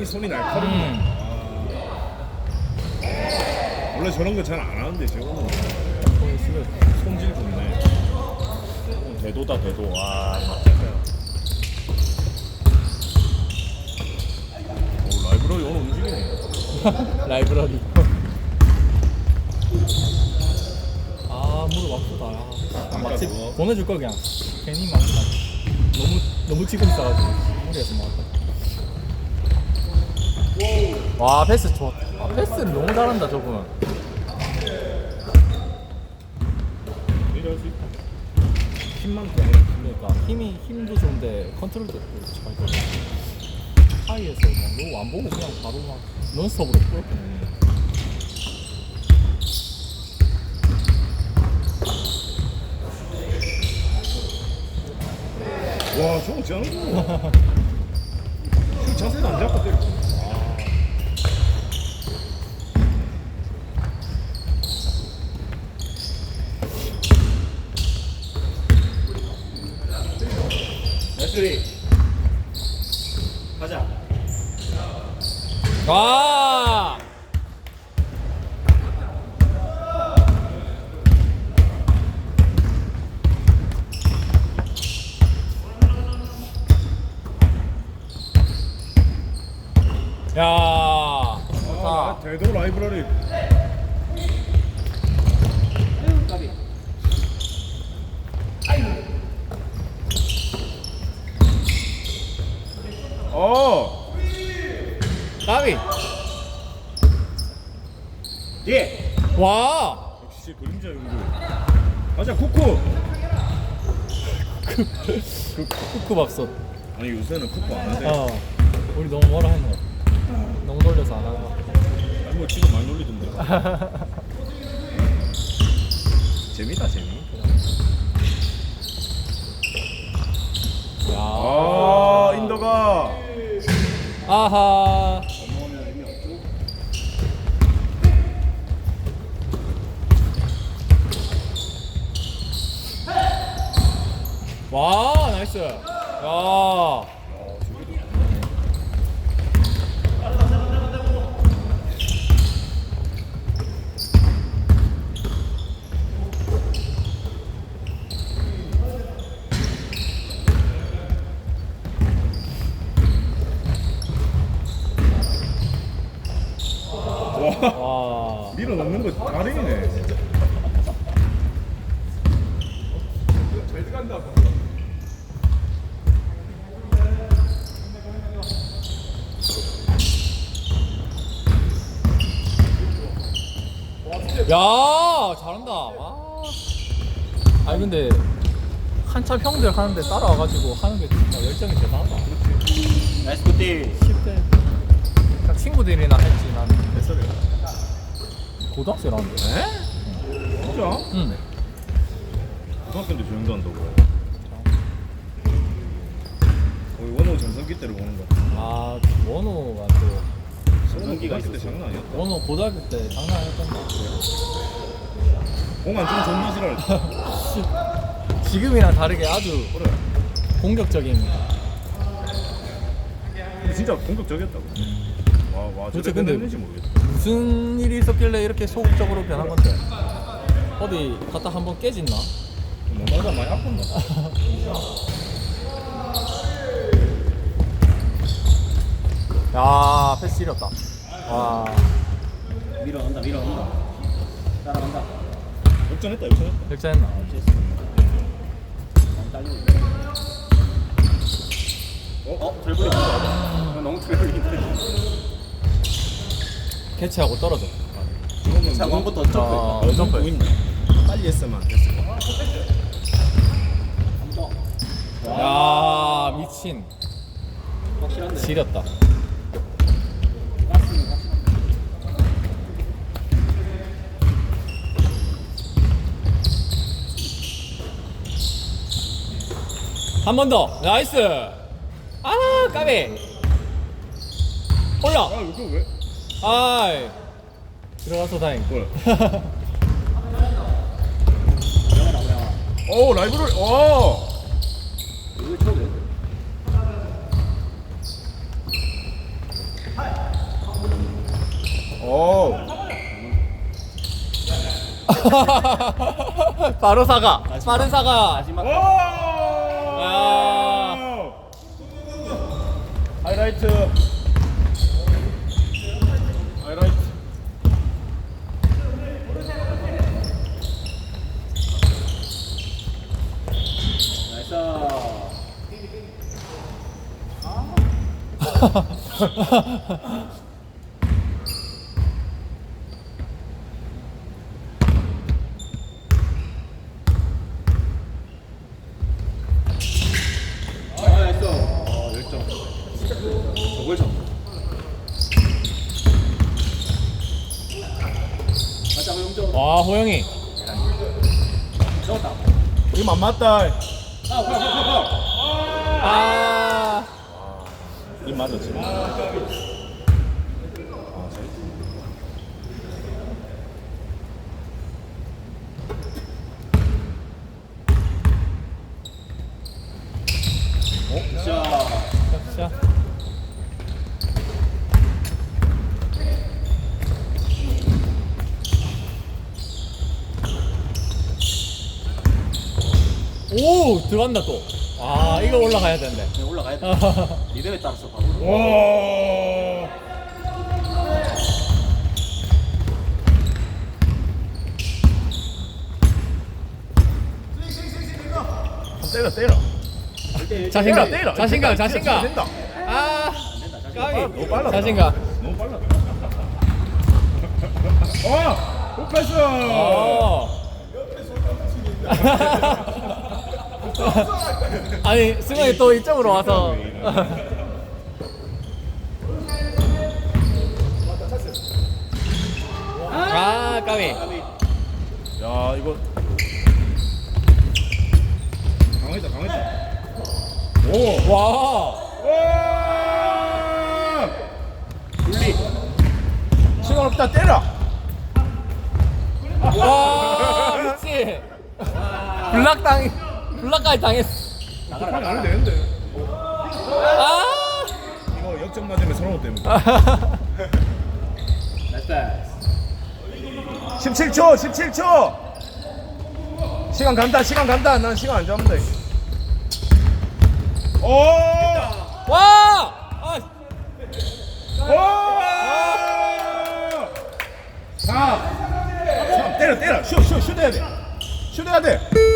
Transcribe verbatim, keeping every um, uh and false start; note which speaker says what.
Speaker 1: 굉장히 손이 날카롭네.
Speaker 2: 음.
Speaker 1: 아. 원래 저런 거 잘 안 하는데 저거는
Speaker 2: 손이 쓰면
Speaker 1: 손질 좋네. 어, 대도다 대도. 와 맞겠어요. 오 라이브러리 오늘 움직이네.
Speaker 2: 라이브러리. 아 무릎 아프다. 아, 막지
Speaker 1: 그거?
Speaker 2: 보내줄 걸 그냥. 괜히 막 너무 너무 지금 싸가지고 무리해서 막았다. 와 패스 좋아. 아, 패스를 너무 잘한다 저분.
Speaker 1: 이럴 수 있다. 힘만 더.
Speaker 2: 그러니까 힘이 힘도 좋은데 컨트롤도 잘 돼. 하이에서 막 너무 안 보고 그냥 바로 막 넌스톱으로 뿌렸거든.
Speaker 1: 와 저거 짱이다. 자세도 안 잡고 때려.
Speaker 3: 나이스리 가자.
Speaker 2: 와. 야.
Speaker 1: 아,
Speaker 2: 좋다.
Speaker 1: 대도 라이브러리.
Speaker 3: 까비.
Speaker 1: 어.
Speaker 2: 까비.
Speaker 3: 예.
Speaker 2: 와.
Speaker 1: 역시 그림자 연구. 가자 쿠쿠.
Speaker 2: 쿠쿠밥솥.
Speaker 1: 아니 요새는 쿠쿠 안 하대.
Speaker 2: 어. 우리 너무 뭐라 했노. 너무 놀려서 안 하고.
Speaker 1: 아니 뭐 지금 많이 놀리던데. 재미다 재미.
Speaker 2: 야.
Speaker 1: 아 인더가.
Speaker 2: 아하.
Speaker 3: 넘어오면 의미 없죠.
Speaker 2: 와 나이스. 야.
Speaker 1: 와.
Speaker 2: 와.
Speaker 1: 밀어 넣는 거 달인이네 진짜. 잘 들어간다.
Speaker 2: 야 잘한다. 와. 아니 근데 한참 형들 하는데 따라와가지고 하는 게 진짜 열정이 대단하다.
Speaker 3: 나이스 굿디.
Speaker 2: 십 대 그냥 친구들이나 했지 난
Speaker 1: 몇 살이야?
Speaker 2: 고등학생이라는데.
Speaker 1: 에? 진짜?
Speaker 2: 응.
Speaker 1: 고등학교인데 저 정도 한다고. 거의 원호 전성기 때를 보는 거.
Speaker 2: 아 원호가 또
Speaker 3: 전성기가
Speaker 1: 고등학교 때
Speaker 3: 있었어.
Speaker 1: 장난 아니었다.
Speaker 2: 원호 고등학교 때 장난 아니었던데.
Speaker 1: 공안 좀 전마시라.
Speaker 2: 지금이랑 다르게 아주
Speaker 1: 그래.
Speaker 2: 공격적인.
Speaker 1: 근데 진짜 공격적이었다고. 와, 와,
Speaker 2: 도대체
Speaker 1: 저래
Speaker 2: 근데
Speaker 1: 됐는지 모르겠다.
Speaker 2: 무슨 일이 있었길래 이렇게 소극적으로 변한 건데? 어디 갔다 한번 깨졌나?
Speaker 1: 뭔가 많이 아팠나?
Speaker 2: 야 패스 지렸다. 와
Speaker 3: 밀어간다 밀어간다. 따라간다.
Speaker 1: 역전했다, 역전했다.
Speaker 2: 역전했나?
Speaker 3: 많이 딸리고 있네. 어? 어? 덜블리 아, 너무 덜블리인데.
Speaker 2: 캐치하고 떨어져.
Speaker 1: 이거는
Speaker 3: 자, 원부터
Speaker 2: 아,
Speaker 3: 점프.
Speaker 2: 점프.
Speaker 1: 보인다. 빨리 했으면 안 됐을 거야.
Speaker 3: 한 번.
Speaker 2: 야 미친
Speaker 3: 확실한데.
Speaker 2: 지렸다.
Speaker 3: 가스는 확실한데.
Speaker 2: 한 번 더. 나이스. 아 까비. 올라.
Speaker 1: 아, 이거 왜?
Speaker 2: 아이 들어가서 다행.
Speaker 1: 뭐야?
Speaker 3: 올라가라 올라가.
Speaker 1: 오, 라이브러리. 와.
Speaker 3: 이거 쳐도 돼.
Speaker 2: 바로 사과. 빠른 사과.
Speaker 3: 마지막.
Speaker 1: 오!
Speaker 2: 아.
Speaker 1: 하이라이트. 하이라이트.
Speaker 3: 나이스. 아, 나이스.
Speaker 1: 어, 열 점.
Speaker 3: 저걸 잡고. 다시 한번 영점.
Speaker 2: 와 호영이.
Speaker 3: 넣었다.
Speaker 1: 이거 안 맞다.
Speaker 3: 아, 파울, 파울, 파울, 파울.
Speaker 2: 아.
Speaker 1: 이 맞았지. 아,
Speaker 3: 자,
Speaker 2: 자. 오 들어간다 또. 아 이거 올라가야 되는데.
Speaker 3: 네, 올라가야 돼. 리듬에 따라서 바로.
Speaker 1: 오. 때려 때려.
Speaker 2: 자신감,
Speaker 1: 때려, 때려.
Speaker 2: 자신감,
Speaker 1: 때려,
Speaker 2: 자신감.
Speaker 1: 된다.
Speaker 2: 아, 까비.
Speaker 1: 너무 빨라.
Speaker 2: 자신감.
Speaker 1: 너무 빨라. 어, 굿패스.
Speaker 2: 어. 아니 승환이 또 이쪽으로 와서. 아, 까비.
Speaker 1: 야, 이거 강했다, 강했다. 오,
Speaker 2: 와.
Speaker 1: 와. 분리. 시간 없다, 때려.
Speaker 2: 와, 미치. 블락 당, 블락까지 당했어.
Speaker 1: 나가라, 안 해도 되는데.
Speaker 2: 아.
Speaker 1: 이거 역전 맞으면 서러워 때문에.
Speaker 3: 나이스 패스.
Speaker 1: 십칠 초, 십칠 초. 시간 간다, 시간 간다. 난 시간 안 잡는다. 오!
Speaker 2: 와. 아.
Speaker 1: 오! 사. 삼. 때려, 때려. 슛, 슛, 슛 해야 돼. 슛 해야 돼.